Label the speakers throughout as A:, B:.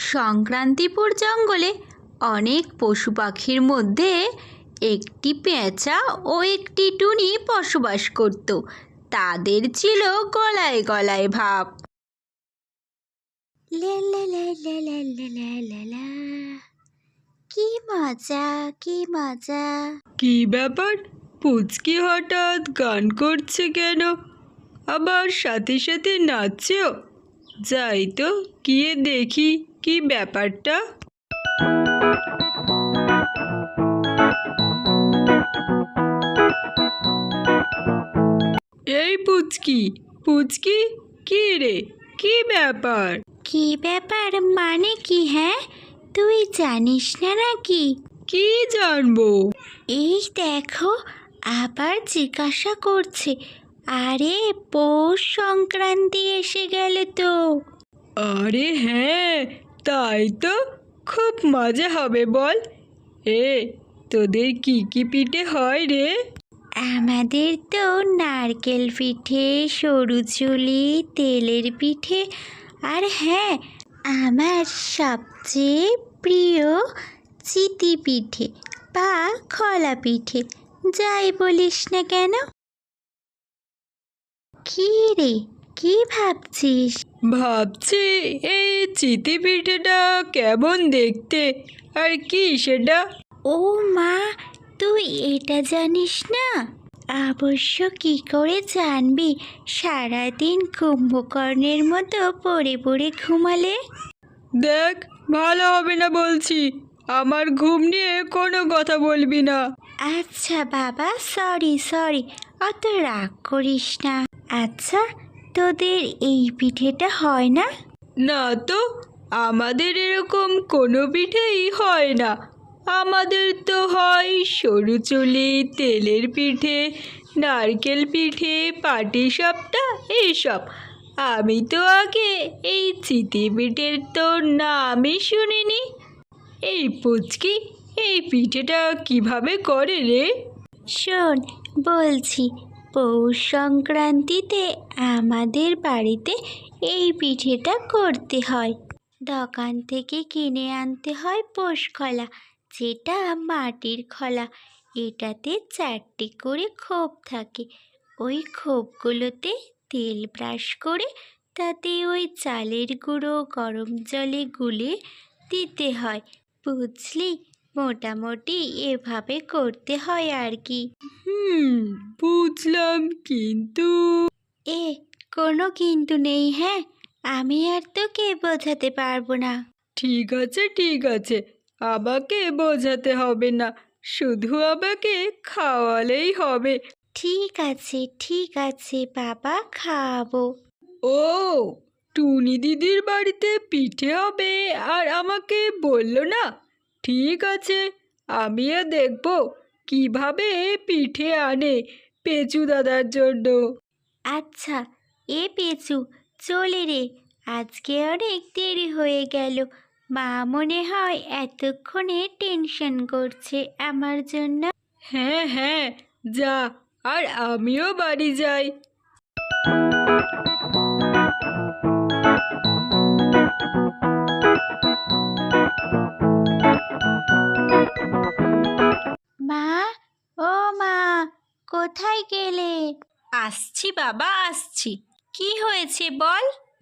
A: সংক্রান্তিপুর জঙ্গলে অনেক পশু পাখির মধ্যে একটি পেঁচা ও একটি টুনি বসবাস করত। তাদের ছিল গলায় গলায় ভাব। লা লা লা লা লা লা লা লা লা। কি মজা, কি মজা!
B: কি ব্যাপার, পুচকি হঠাৎ গান করছে কেন? আবার সাথে সাথে নাচছেও। যাই তো গিয়ে দেখি কি ব্যাপারটা। এই পুচকি, পুচকি, কি রে, কি ব্যাপার?
A: কি ব্যাপার মানে কি? হ্যাঁ, তুই জানিস না নাকি?
B: কি জানবো?
A: এই দেখো, আবার জিজ্ঞাসা করছে। আরে, পৌষ সংক্রান্তি এসে গেল তো।
B: আরে হ্যাঁ, তাই তো, খুব মজা হবে বল। এ, তোদের কি কি পিঠে হয় রে?
A: আমাদের তো নারকেল পিঠে, সরু চুলি, তেলের পিঠে, আর হ্যাঁ, আমার সবচেয়ে প্রিয় চিতি পিঠে বা খলা পিঠে, যাই বলিস না কেন। কি রে, কি ভাবছিস?
B: ভাবছি এই চিতি পিঠেটা কেমন দেখতে, আর কি সেটা?
A: ও মা, তুই এটা জানিস না? অবশ্য কি করে জানবি, সারাদিন কুম্ভকর্ণের মতো পড়ে পড়ে ঘুমালে।
B: দেখ, ভালো হবে না বলছি। আমার ঘুম নিয়ে কোনো কথা বলবি না।
A: আচ্ছা বাবা, সরি সরি, অত রাগ করিস না। আচ্ছা, তোদের এই পিঠেটা হয় না?
B: না তো, আমাদের এরকম কোনো পিঠেই হয় না। আমাদের তো হয় সরু চুলি, তেলের পিঠে, নারকেল পিঠে, পাটিসাপটা, এইসব। আমি তো আগে এই চিতি পিঠের তো নামই শুনিনি। এই পুচকি, এই পিঠেটা কিভাবে করে রে?
A: শোন, বলছি, পৌষ সংক্রান্তিতে আমাদের বাড়িতে এই পিঠেটা করতে হয়। দোকান থেকে কিনে আনতে হয় পোষ খলা, যেটা মাটির খলা। এটাতে 4টে করে খোপ থাকে। ওই খোপগুলোতে তেল ব্রাশ করে তাতে ওই চালের গুঁড়ো গরম জলে গুলে দিতে হয়, বুঝলি? মোটামুটি এভাবে করতে হয় আর কি।
B: বুঝলাম, কিন্তু
A: এ, কোনো কিন্তু নেই, হ্যাঁ? আমি আর তোকে বোঝাতে পারবো না।
B: ঠিক আছে, ঠিক আছে, আমাকে বোঝাতে হবে না, শুধু আমাকে খাওয়ালেই হবে।
A: ঠিক আছে, ঠিক আছে বাবা, খাওয়াবো।
B: ও, টুনি দিদির বাড়িতে পিঠে হবে আর আমাকে বললো না? ঠিক আছে, আমিও দেখব কিভাবে পিঠে আনে পেঁচু দাদার জন্য।
A: আচ্ছা, এ পেঁচু, চলে রে, আজকে অনেক দেরি হয়ে গেল। মা মনে হয় এতক্ষণে টেনশন করছে আমার জন্য।
B: হ্যাঁ হ্যাঁ, যা, আর আমিও বাড়ি যাই।
A: মা, ও মা, কোথায় গেলে?
C: আসছি বাবা, আসছি। কি হয়েছে বল?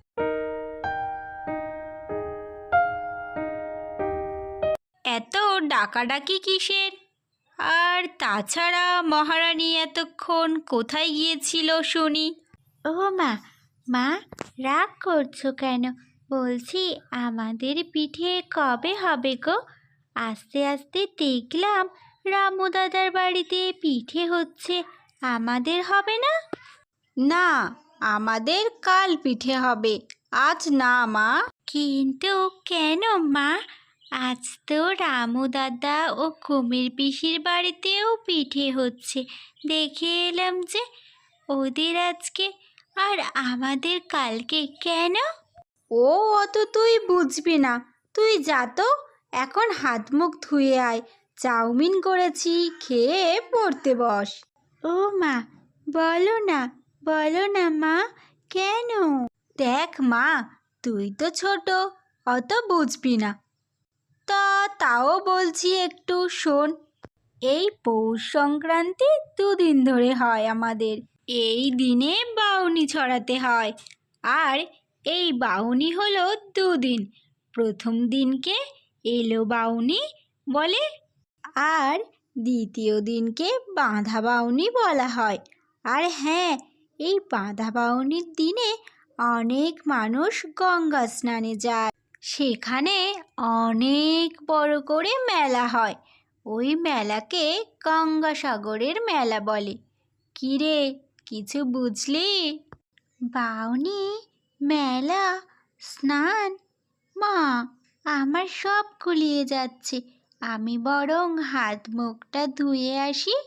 C: এত ডাকাডাকি কিসের? আর তাছাড়া মহারানী এতক্ষণ কোথায় গিয়েছিল শুনি?
A: ও মা, মা, রাগ করছো কেন? বলছি, আমাদের পিঠে কবে হবে গো? আস্তে আস্তে দেখলাম রামু দাদার বাড়িতে পিঠে হচ্ছে, আমাদের হবে না?
C: না, আমাদের কাল পিঠে হবে, আজ না মা।
A: কিন্তু কেন মা? আজ তো রামু দাদা ও কুমির পিসির বাড়িতেও পিঠে হচ্ছে, দেখে এলাম যে। ওদের আজকে আর আমাদের কালকে কেন?
C: ও, অত তুই বুঝবি না। তুই যা তো, এখন হাত মুখ ধুয়ে আয়। চাউমিন করেছি, খেয়ে পড়তে বস।
A: ও মা, বলো না, বলো না মা, কেন?
C: দেখ মা, তুই তো ছোট, অত বুঝবি না। তাও বলছি একটু শোন। এই পৌষ সংক্রান্তি 2 দিন ধরে হয় আমাদের। এই দিনে বাউনি ছড়াতে হয়। আর এই বাউনি হলো 2 দিন। প্রথম দিনকে এলো বাউনি বলে, আর দ্বিতীয় দিনকে বাঁধা বাউনি বলা হয়। আর হ্যাঁ, এই বাঁধা বাউনির দিনে অনেক মানুষ গঙ্গা স্নানে যায়। সেখানে অনেক বড় করে মেলা হয়। ওই মেলাকে গঙ্গাসাগরের মেলা বলে। কিরে, কিছু বুঝলি? বাউনি, মেলা, স্নান, মা, আমার সব গুলিয়ে যাচ্ছে। আমি বরং হাত মুখটা ধুয়ে আসি।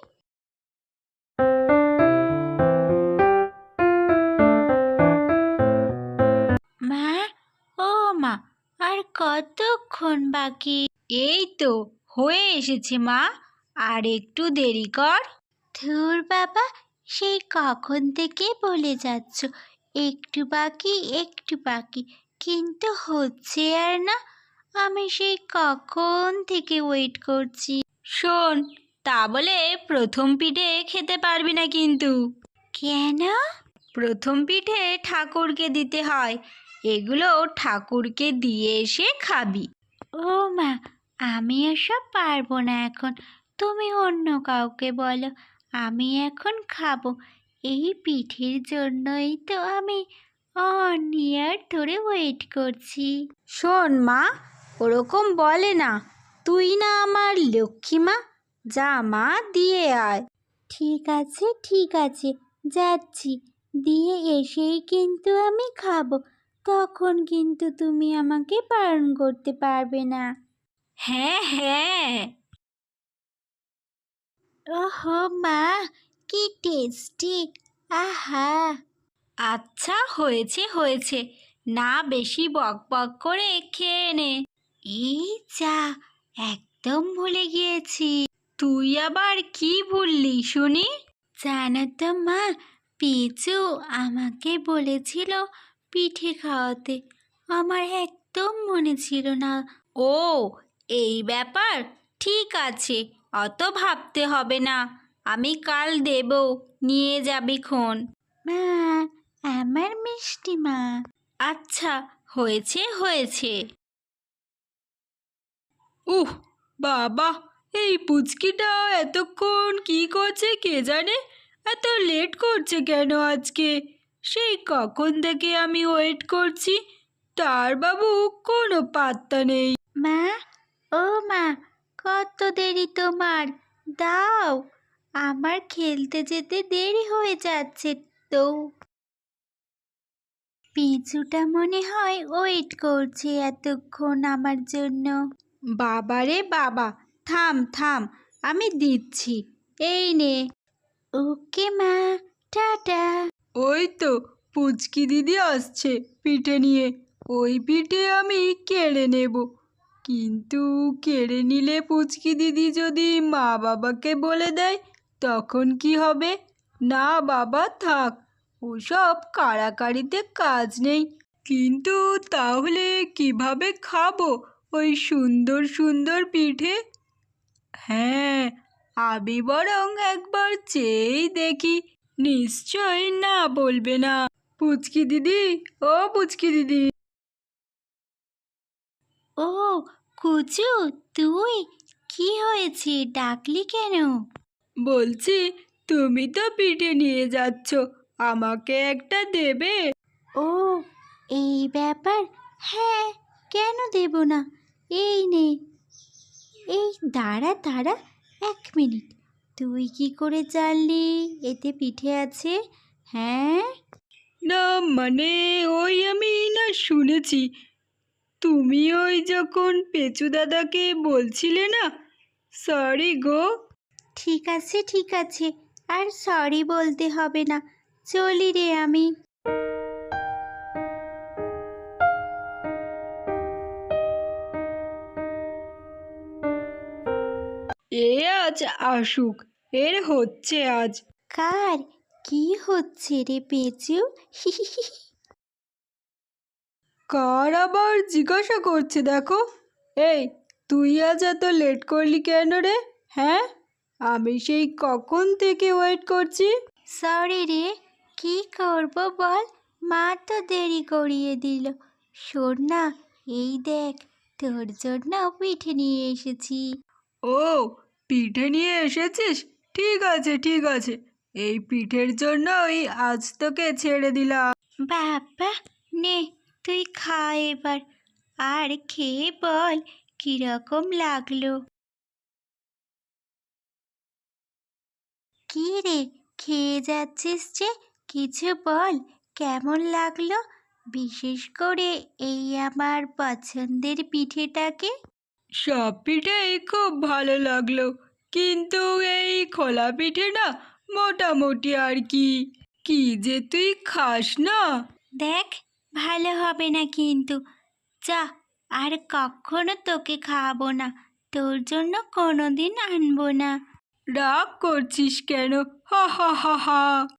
C: মা, ও মা, আর কতক্ষণ বাকি? এই তো হয়ে এসেছে মা, আর একটু দেরি কর। ধুর বাবা, সেই কখন থেকে বলে যাচ্ছ একটু বাকি একটু বাকি, কিন্তু হচ্ছে আর না। আমি সেই কখন থেকে ওয়েট করছি।
B: শোন, তা বলে প্রথম পিঠে খেতে পারবি না কিন্তু।
C: কেন?
B: প্রথম পিঠে ঠাকুরকে দিতে হয়। এগুলো ঠাকুরকে দিয়ে এসে খাবি।
C: ও মা, আমি এসব পারবো না এখন। তুমি অন্য কাউকে বলো, আমি এখন খাবো। এই পিঠের জন্যই তো আমি ইয়ার ধরে ওয়েট করছি। শোন মা, ওরকম বলে না। তুই না আমার লক্ষ্মী মা, যা মা দিয়ে আয়। ঠিক আছে ঠিক আছে, যাচ্ছি। দিয়ে এসেই কিন্তু আমি খাবো। তখন কিন্তু তুমি আমাকে বারণ করতে পারবে না।
B: হ্যাঁ হ্যাঁ।
C: ওহো মা, কি টেস্টি! আহা!
B: আচ্ছা, হয়েছে হয়েছে, না বেশি বক বক করে খেয়ে নে।
C: এই যা, একদম ভুলে গিয়েছি।
B: তুই আবার কি ভুললি শুনি?
C: জানো তো মা, পিচু আমাকে বলেছিল পিঠে খাওয়াতে। আমার একদম মনে ছিল না।
B: ও, এই ব্যাপার। ঠিক আছে, অত ভাবতে হবে না। আমি কাল দেব, নিয়ে যাবি খন।
C: মা, আমার মিষ্টি মা।
B: আচ্ছা, হয়েছে হয়েছে। উহ, বাবা, এই পুচকিটা এতক্ষণ কি করছে কে জানে। এত লেট করছে কেন আজকে? সেই কখন থেকে আমি ওয়েট করছি, তার বাবু কোনো পাত্তা নেই।
C: মা, ও মা, কত দেরি তোমার? দাও, আমার খেলতে যেতে দেরি হয়ে যাচ্ছে তো। পিচুটা মনে হয় ওয়েট করছে এতক্ষণ আমার জন্য।
B: বাবারে বাবা,
C: থাম থাম, আমি দিচ্ছি। এই নে। ওকে মা, টাটা।
B: ওই তো পুচকি দিদি আসছে পিঠে নিয়ে। ওই পিঠে আমি কেড়ে নেব। কিন্তু কেড়ে নিলে পুচকি দিদি যদি মা বাবাকে বলে দেয়, তখন কি হবে? না বাবা, থাক, ওসব কাড়াকাড়িতে কাজ নেই। কিন্তু তাহলে কিভাবে খাবো ওই সুন্দর সুন্দর পিঠে? হ্যাঁ, আমি বরং একবার চেয়েই দেখি, নিশ্চয় না বলবে না। পুচকি দিদি, ও পুচকি দিদি।
C: ও কুচু, তুই? কি হয়েছে, ডাকলি কেন?
B: বলছি, তুমি তো পিঠে নিয়ে যাচ্ছ, আমাকে একটা দেবে?
C: ও, এই ব্যাপার। হ্যাঁ, কেন দেব না? এই নে। এই দাঁড়া দাঁড়া, 1 মিনিট। তুই কি করে জানলি এতে পিঠে আছে? হ্যাঁ।
B: না মানে, ওই আমি না শুনেছি, তুমি ওই যখন পেঁচু দাদাকে বলছিলে না। সরি গো।
C: ঠিক আছে ঠিক আছে, আর সরি বলতে হবে না। চলি রে আমি।
B: এ আজ আসুক, এর হচ্ছে আজ।
C: কার কি হচ্ছে রে পেঁচু?
B: কার আবার জিজ্ঞাসা করছে দেখো। এই, তুই আজ এত লেট করলি কেন রে? হ্যাঁ, আমি সেই কখন থেকে ওয়েট করছি।
A: সরি রে, কি করব বল, মা তো দেরি করিয়ে দিল। শোন না, এই দেখ, তোর জন্য পিঠে নিয়ে এসেছি।
B: ও, পিঠে নিয়ে এসেছিস? ঠিক আছে ঠিক আছে, এই পিঠের জন্যই আজ তোকে ছেড়ে দিলাম।
A: বাবা, নে তুই খা এবার, আর খেয়ে বল কিরকম লাগলো। কি রে, খেয়ে যাচ্ছিস যে, কিছু বল, কেমন লাগলো, বিশেষ করে এই আমার পছন্দের পিঠেটাকে।
B: সব পিঠেই খুব ভালো লাগলো, কিন্তু এই খোলা পিঠে না মোটামুটি আর কি। কি যে তুই খাস না।
A: দেখ, ভালো হবে না কিন্তু, যা, আর কখনো তোকে খাওয়াবো না, তোর জন্য কোনোদিন আনবো না।
B: রাগ করছিস কেন? হা হা হা হা।